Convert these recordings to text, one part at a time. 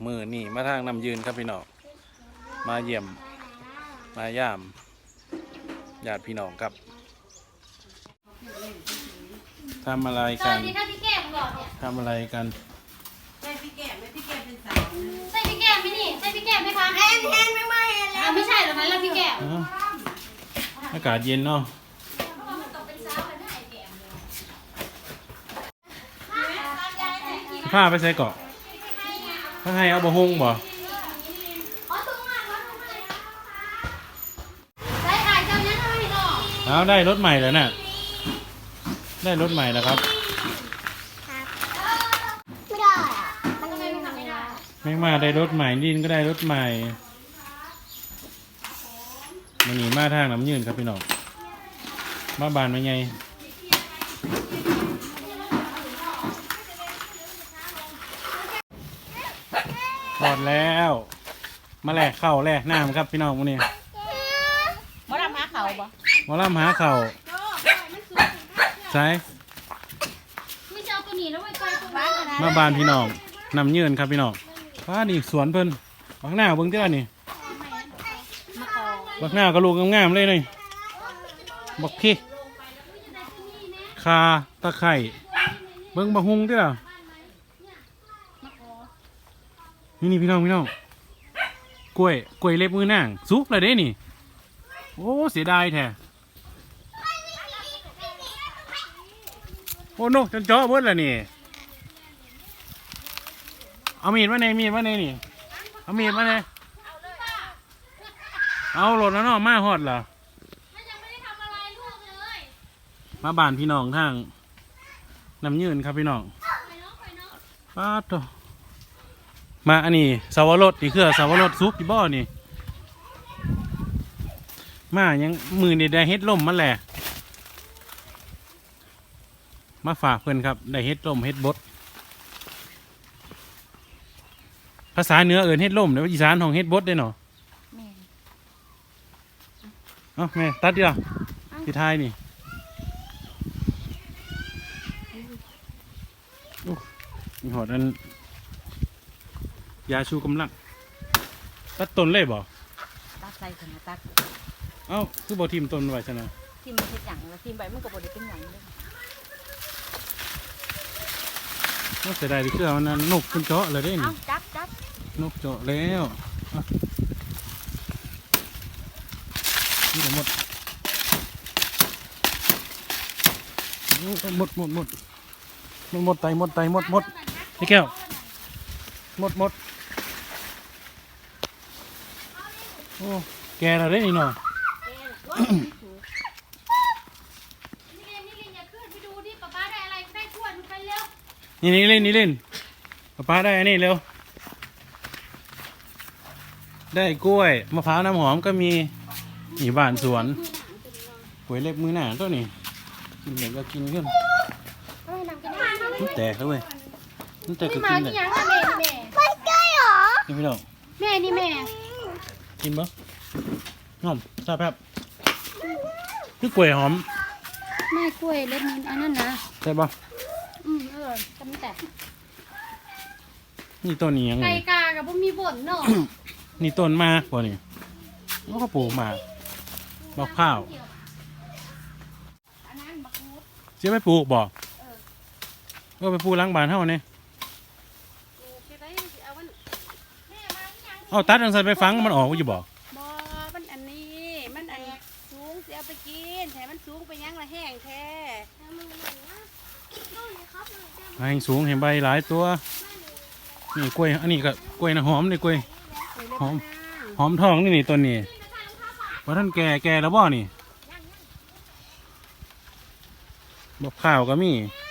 มือนี่มาทางน้ำยืนครับพี่น้องมาเยี่ยมมาย่ามญาติพี่น้องครับทำอะไรกันทำอะไรกันใส่พี่แก้มเป็นสาวใส่พี่แก้มไหมนี่ใส่พี่แก้มไหมคะแอนไม่แล้วไม่ใช่หรอกนั้นแล้วพี่แก้มอากาศเย็นเนาะผ้าไปใส่เกาะถ้าให้เอาบะฮุ่งบ่เอาได้รถใหม่แล้วน่ะได้รถใหม่แล้วครับไม่ได้มันทำไมมันทำไม่ได้ไม่มาได้รถใหม่ดินก็ได้รถใหม่มันหนีมาทางน้ำยืนครับพี่น้องมาบานมาไงหมดแล้วมาแลกเข่าแลกน้ำครับพี่น้องวันนี้มาลำหาเขาบ่มาล่ำหาเข่าใช่ไม่เจ้าตัวนี้แล้วไม่ใช่ตัวนี้มาบานพี่น้องนำยืนครับพี่น้องว้านี่สวนเพิ่นบักหน้าเบิ่งเท่านี่บักหน้าก็ลูกงามๆเลยนี่บักขี้คาตะไคร่เบิ่งบักฮุงเท่านี่พี่น้องกล้วยเล็บมือนางสุกเลยเด้นี่โอ้เสียดายแท้โอ้โนจนเจาะเบิดแล้วนี่เอามีดมาในนี่เอามีดมาในเอาหลดแล้วเนาะมาฮอดเหรอมาบ้านพี่น้องทางน้ำยืนครับพี่น้องป้าโตมาอันนี้สาวรสนี่คือสาวรสซุปที่บ่อนี่มายังมือนี่ได้เฮ็ดล่มมาแหละมาฝากเพื่อนครับได้เฮ็ดล่มเฮ็ดบดภาษาเหนือเอิ้นเฮ็ดล่มเดี๋ยวอีสานของเฮ็ดบดได้เนาะเอ้าแม่ตัดดิล่ะที่ท้ายนี่มีหอดอันยาชูกำลังตัดต้นเลยบ่ตัดใส่ขนาดตัดเอ้าคือบ่ทิ่มต้นไว้ซะนะทิ่มมันเฮ็ดหยังแล้วทิ่มใบมันก็บ่ได้เป็นหยังเลยก็เสียดายที่คือเอานั้นนกขึ้นเจาะเลยได้นี่จับนกเจาะแล้วนี่หมดไตหมดนี่แก้วหมดโอ้แกเราได้นี่เนาะนี่เล่นป้าได้อันนี้เร็วได้กล้วยมะพร้าวน้ำหอมก็มีนี่บ้านสวนกล้วยเล็บมือหนาตัวนี้กินเด็กก็กินขึ้นมันแตกแล้วเว้ยมันแตกก็กินเลยไม่ใช่หรอนี่พี่น้องแม่นี่แม่กินปะหอมซาแป๊บคือกล้วยหอมไม่กล้วยเล็บมืออันนั้นนะใช่ปะจำแต่นี่ต้นนี้ยังไงไก่กากับพวกมีบ่นเนาะนี่ต้นมากกว่านี่แล้วก็ปลูกมาบักข้าวจะไม่ปลูกบ่ก็ไปปลูกล้างบ้านเท่านี้เอาตัดอันใส่ไปฟังมันออกอยู่บ่มันอันนี้มันอันสูงสิเอาไปกินแถมมันสูงไปยังละแห้งแท้ให้สูงเห็นใบหลายตัวนี่กล้วยอันนี้ก็กล้วยนะหอมนี่กล้วยหอมทองนี่ต้นนี้ว่าท่านแก่แล้วบ่นี่บักข้าวก็มี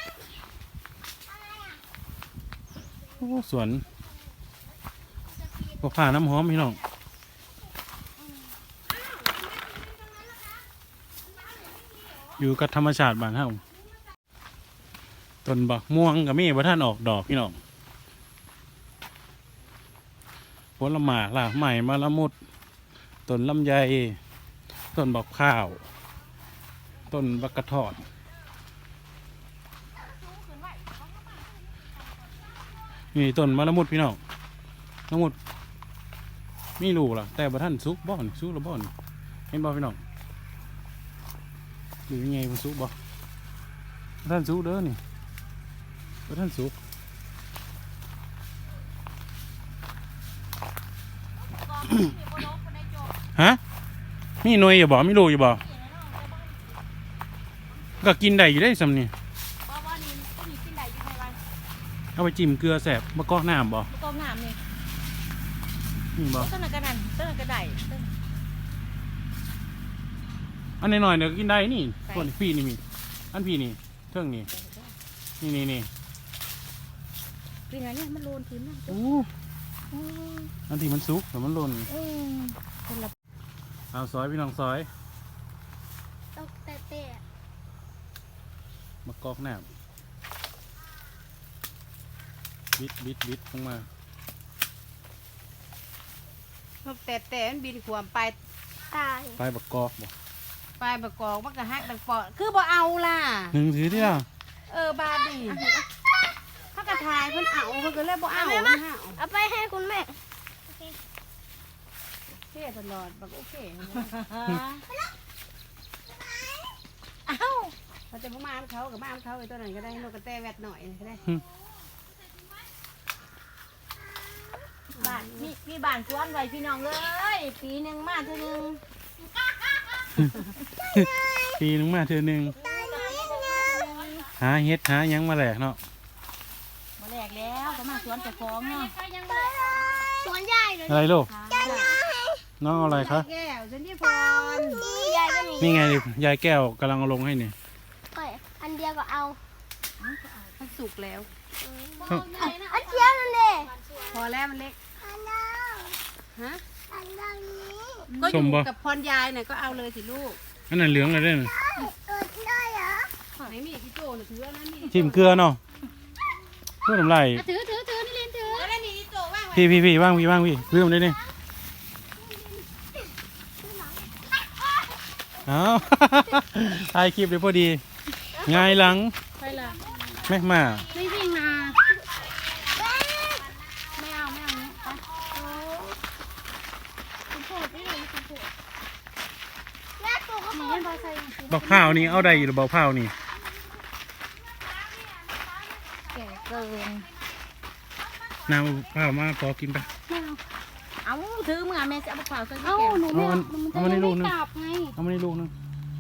โอ้สวนบักข้าวน้ำหอมพี่น้องอยู่กับธรรมชาติบ้านเฮาต้นบักม่วงก็มีว่าท่านออกดอกพี่น้องผลไม้ล่ะใหม่มะละมุดต้นลำไยต้นบักข้าวต้นบักกระทอดนี่ต้นมะละมุดพี่น้องน้องหมดมีลูกล่ะแต่บ่ท่านซุกบ่อนซุกแล้วบ่อนเห็นบ่พี่น้องหรือยังไงมันซุกบ่บ่ท่านซุกเด้อนี่บ่ท่านซุกฮะมีหน่วยอยู่บ่มีลูกอยู่บ่ก็กินได้อยู่ได้สำนี่บ่นี่กินได้อยู่ในวันเอาไปจิ้มเกลือแสบมะกอกน้ำบ่ต้มน้ำนี่นี่บ่ต้นกระดันต้นกระไดต้นอันน้อยๆเดี๋ยวกินได้นี่ใส่ส่วนพี่นี่มีอันพี่นี่เทิงนี่นี่กินอะไรเนี่ยมันโลนพื้นนะอู้อันที่มันสุกแต่มันหล่นคนละเอาซอยพี่น้องซอยตกแต่มะกอกน้ำบิดลงมาแต่มันบินขวมไปตายไปบักกอกบ่ไปประกอบมันก็ฮักดังปอคือบ่เอาล่ะหนึ่งถือที่ละบาดนี่เขากระทายเพิ่นเอาเพิ่นก็เลยบ่เอามันหาเอาไปให้คุณแม่เท่ตลอดบักโอเคเอ้าเขาจะบ่มาเขากับมาเขาไอ้ตัวนั้นก็ได้นกกระแตแวดหน่อยก็ได้บ้านมีบ้านสวนไว้พี่น้องเลยปีหนึ่งมาเท่านึงปีนึงมาเธอหนึ่งหาเฮ็ดหาหยังมาแหลกเนาะมาแรกแล้วก็มาสวนเจ้าของเนาะสวนใหญ่เลยอะไรลูกน้องเอาอะไรคะแก้วฉันที่พรใหญ่ก็มีนี่ไงดิยายแก้วกำลังเอาลงให้นี่อันเดียวก็เอามันสุกแล้วอันเดียวนั่นเองพอแล้วมันเล็กอันนั้นฮะอันนั้นนี้ก็อยู่กับพรยายน่ะก็เอาเลยสิลูกอันนั้นเหลืองเลยเด้อได้เหรอไหนมีพี่โจน่ะถืออันนั้นนี่จิ้มเกลือเนาะเพื่อทำไรถือนี่ลินถือแล้วนี่พี่โจว่างไว้พี่ว่างพี่เรื่องได้นี่เอา ถ่ายคลิปเลยพอดีง่ายหลังไปละแม่มาไม่วิ่งนาไม่เอาเนี้ยไปคุณโผล่ไม่เลยคุณโผล่แม่ตัวก็บอกว่าใส่บอกข้าวนี่เอาได้อยู่หรือบอกข้าวนี่แก่เกินน้ำข้าวมาพอกินไปเอาถือมือแม่จะเอาเปล่าใส่แก้วหนูเอามาในลูกนึงกลับไงเอามาในลูกนึง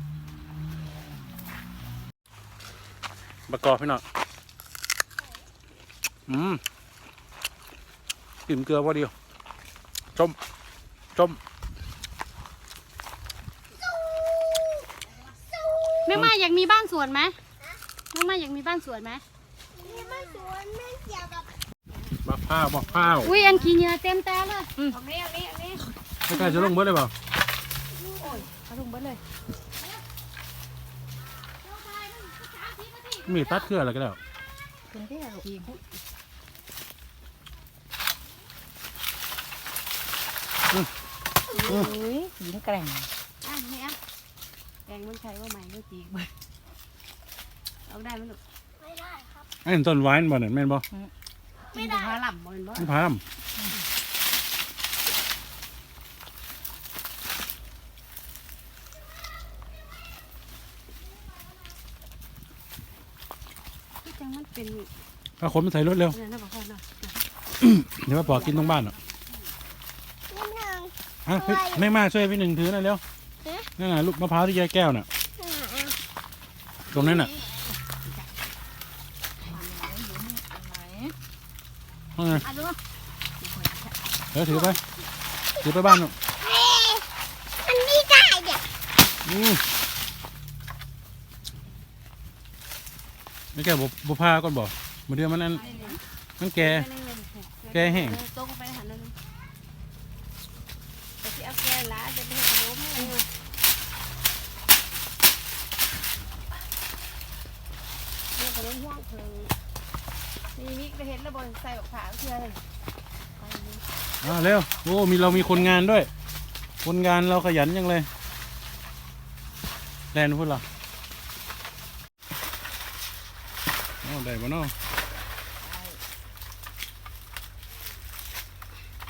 ประกอบพี่น้องจิ้มเกลือพอเดียวจมแม่มาอยากมีบ้านสวนไหมแม่มาอยากมีบ้านสวนไหมบอกข้าวอุ้ยอันขี้เหงื่อเต็มตาเลยเอานี้ไม่กล้าจะลงเบิดเลยเปล่าเอาถุงเบิดเลยมีตัดเครืออะไรก็ได้เป็นที่ไหนขี้อืมอุ้ยหญิงแกร่งอ่ะนี่อ่ะแกงมันใช้ว่าใหม่ด้วยจีบเอาได้ไหมลูกไอ้ต้นไว้นั่นบ่เนี่ยแม่นบ่ไม่ได้พาหล่ำบ่เห็นบ่ไม่พามที่จังมันเป็นเอาคนมาใส่รถเร็วเนี่ยนะบอกพ่อเนาะเดี๋ยวมาปอกกินตรงบ้านอ่ะอ่ะเฮ้ยไม่มาช่วยพี่หนึ่งถือหน่อยเร็วนั่นน่ะลูกมะพร้าวที่ยายแก้วน่ะตรงนั้นน่ะเอาไงอ่ะดูเดี๋ยวถือไปบ้านน่ะอันนี้ได้เด็กไม่แก้บุพาก่อนบ่มาเดือมันนั่นมันแก่ แกแห้งตรงไปหันนั่นแต่ที่เอาแกล้าจะไปให้ขนมให้เนี่ยขนมห่วงเพิ่งนี่มิกไปเห็นแล้วบอลใส่แบบขาเชื่อเลยเร็วโอ้เรามีคนงานด้วย คนงานเราขยันยังเลยแลนพูดเหรอได้บ่เนาะ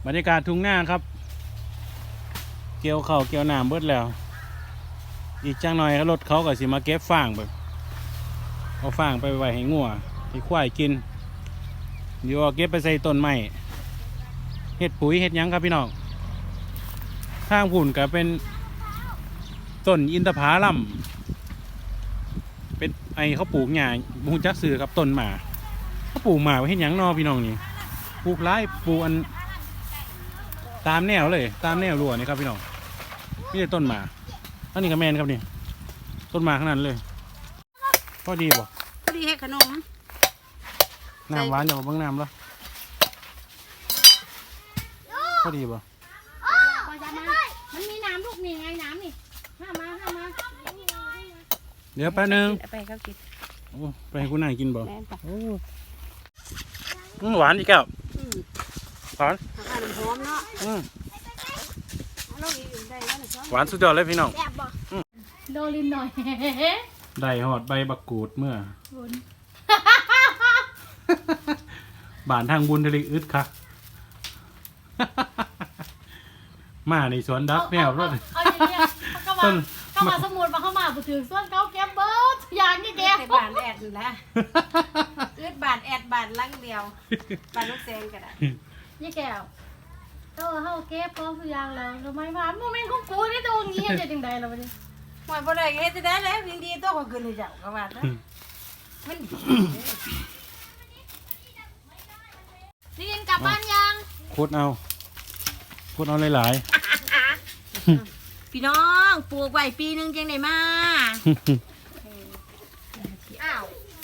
บรรยากาศทุ่งนาครับเกี่ยวข้าวเกี่ยวน้ำเบิดแล้วอีกจังหน่อยรถเขาก็สิมาเก็บฟางแบบเอาฟางไปไว้ให้งัวให้ควายกินเดี๋ยวเอาเก็บไปใส่ต้นไม้เฮ็ดปุ๋ยเฮ็ดหยังครับพี่น้องข้างหุ่นก็เป็นต้นอินทผลัมเป็นไอเขาปลูกหญ้าบุญจักซื้อครับต้นหมาเขาปลูกหมาไว้เฮ็ดหยังนอพี่น้องนี่ปลูกไร่ปลูกอันตามแนวเลยตามแนวรั้วนี่ครับพี่น้องนี่ต้นหมาอันนี้ก็แมนครับนี่ต้นหมาขนาดเลยพอดีบ่พอดีเฮ็ดขนมน้ำหวานอย่าเบิ่งน้ำแล้วพอดีบ่พอจะมามันมีน้ำลูกนี่ไงน้ำนี่ห้ามาเดี๋ยวแป๊บนึงเอาไปเขากินโอ้ไปให้คุณนายกินบ่แม่นปะโอ้หวานอีกแก้วอืมหวานข้าวน้ำหอมเนาะอืมเอาลงอีกได้แล้วนะซ้อหวานสุดยอดเลยพี่น้องแซ่บบ่โดลินหน่อยได้หอดใบบักกูดเมื่อ บานทางบุญทะเลอึดค่ะ มาในสวนดักแนวรถเอาอย่างเงี้ยเข้ามาสมุดมาเข้ามาบุถือส่วนเขาแก็บเบิร์ดอย่างนี้แกในบานแอดนั่นแหละอึดบานแอดบานลังเดียวบานลูกแซงก็ได้นี่แก้วเขาเก็บพร้อมทุกอย่างแล้วทำไมมาโมเมนต์ของกูนี่ตัวงี้จะยังไงล่ะวะเนี่ยหมายบ่ได้เฮ็ดจะได้แล้วยินดีตัวก็ขึ้นให้เจ้าก็ว่าซะมันนี่กินกลับบ้านยังพูดเอาหลายพี่น้องปลูกไว้ปีนึงจังได้มาๆอ้าว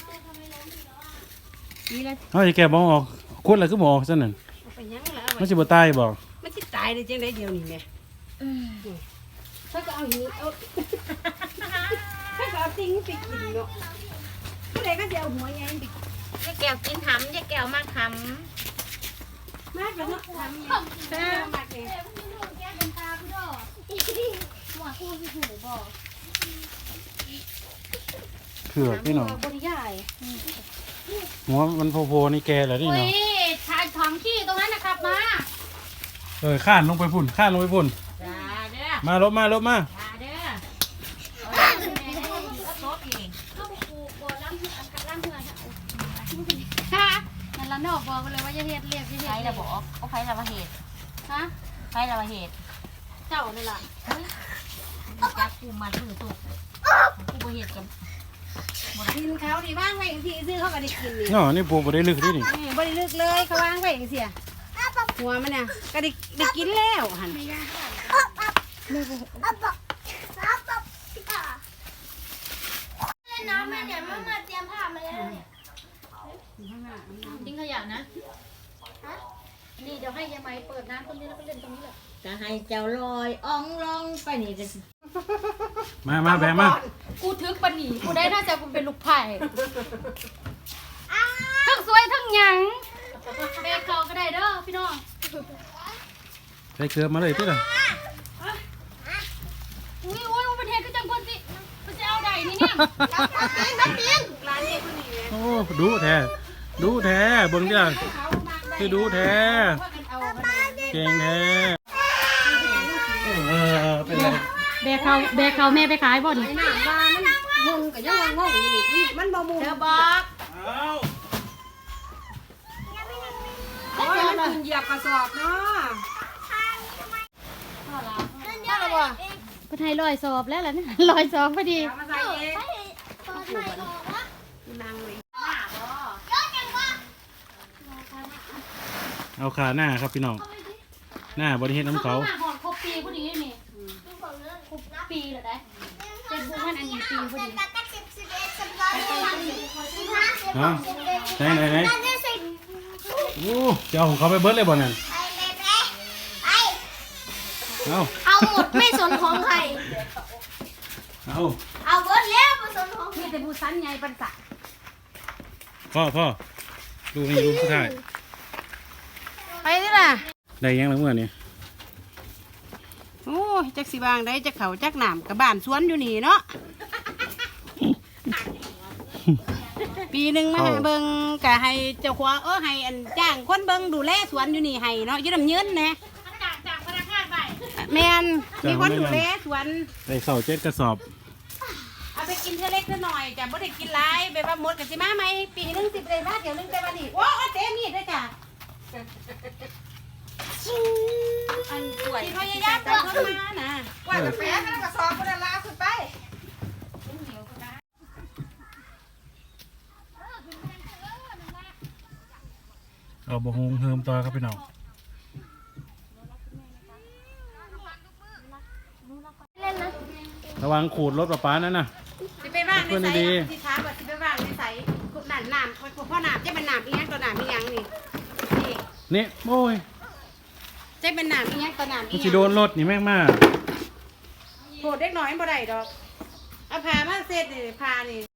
ปีละเอาจะแกะบอออกคุดอะไรก็บออกซะนั่นเอาไปยังล่ะมันสิบ่ตายบอกมันสิตายได้จังได๋เดี๋ยวนี้แม่ถ้าก็เอาอย่างนี้เอาถ้าก็เอาทิ้งไปกินเนาะผู้ใดก็สิเอาหัวใหญ่ไปยายแก้วกินหำยายแก้วมากหำมากแล้วเนาะทำเนี่ยแซ่บมากเลยแก้เป็นตาพี่ดอกหัวคู่ที่หูบอกเผือกพี่น้องบริยายหัวมันโผล่ๆนี่แกเหรอนี่อุ้ยเนาะชายท้องขี้ตรงนั้นนะครับมาข้านลงไปพุ่นจ้าเด้อลบมาจ้าเด้อเอาแม่ให้ซบเองเข้าไปปลูกบ่อล้างเหือนล้างเหือนค่ะนั่นละนอกบอกไปเลยว่าจะเฮ็ดเรียบจะเฮ็ดไผ่ระบอกเขาไผ่ระบเหตุฮะไผ่ระบเหตุเจ้านี่ล่ะจักกูมันมือตุกกูบ่เหตุกับกินเขาดีว่างไว้ที่ซื้อเขาก็ได้กินนี่เนาะนี่ปลูกบ่ได้ลึกด้วยนี่บริลึกเลยเขาวางไว้เสียหัวมันเนี่ยก็ได้กินแล้วหันน้ำแม่เนี่ยมาเตรียมผ้ามาแล้วเนี่ยทิ้งขยะนะนี่เดี๋ยวให้ยายไหมเปิดน้ำตรงนี้แล้วก็เล่นตรงนี้แหละจะให้เจ้าลอยอ่องลองไปนี่จะมาแบะมากูทึกปะหนีกูได้น่าจะกูเป็นลูกไผ่ทั้งสวยทั้งหยังเบรกเขาก็ได้เด้อพี่น้องใส่เกลือมาเลยที่ละอุ้ยมันเป็นเทศก็จังคนสิมันจะเอาใดนี่เนี่ยน้ำปิงร้านนี้คนนี้เลยโอ้ดูแท้เบิ่งจ้ะคือดูแท้เอาเก่งแท้เป็นไรเบรกเขาแม่ไปขายบ่นี่ไอ้หน้าว่ามันมุงกับยังว่างงอยู่นี่มันบ่มุงเธอบอกเอาโอ้ยมันกินเหยียบกระสอบเนาะเป็นไทยลอยสอบแล้วล่ะเนี่ยลอยสอบพอดีเอามาใส่เองนางเลยเอาขาหน้าครับพี่น้องหน้าบริเฮ็ดน้ำเขาหอดครบปีพอดีนี่ครบปีเลยได้เจ็ดบุญวันอันนี้ปีพอดีฮะไหนโอ้จะเอาของเขาไปเบิร์ดเลยบ่นั่นเอาเอาหมดไม่สนของใครเอาเอาเบิร์ดแล้วไม่สนของมีแต่ผู้สันใหญ่ปันสักพ่อดูนี่ดูสุดท้ายไปนี่ล่ะได้ยังแล้วเมื่อนี้โอ้ยจักสิบางได้จักเขาจักหนามกับบ้านสวนอยู่นี่เนาะปีหนึงมาหาเบิ่งก็ให้เจ้าของให้อันจ้างคนเบิ่งดูแลสวนอยู่นี่ให้เนาะอยู่น้ำยืนนะจากพนักงานไปแม่นมีคนดูแลสวนได้ข้าว7 กระสอบเอาไปกินเท่าเล็กเท่าหน่อยจ้ะบ่ได้กินหลายแบบว่าหมดกันสิมาไหมปีหนึง10ได้มาเดี๋ยวนึงแต่วันนี้โอ้เต็มมีดด้วยจ้ะอันป่วยที่พยายามจะเข้ามานะว่าจะแพ้แล้วก็สอบคนละลาขึ้นไปเอาบะฮงเฮิมต่อครับพี่น้องเล่นนะระวังขูดรถป้านั่นน่ะสิไปว่างในเพื่อนใสดีที่ถามว่าสิไปว่างในใสนั่นน้ำพ่อน้ำจะเป็นน้ำอีหยังตัวน้ำอีหยังนี่นี่นี่โอ้ยจะเป็นน้ำอีหยังตัวน้ำมัอีนหสิยังโดนรถนี่แม่งมากโหดเล็กน้อยบ่ได้ดอกเอาพามาเสร็จนี่พานี่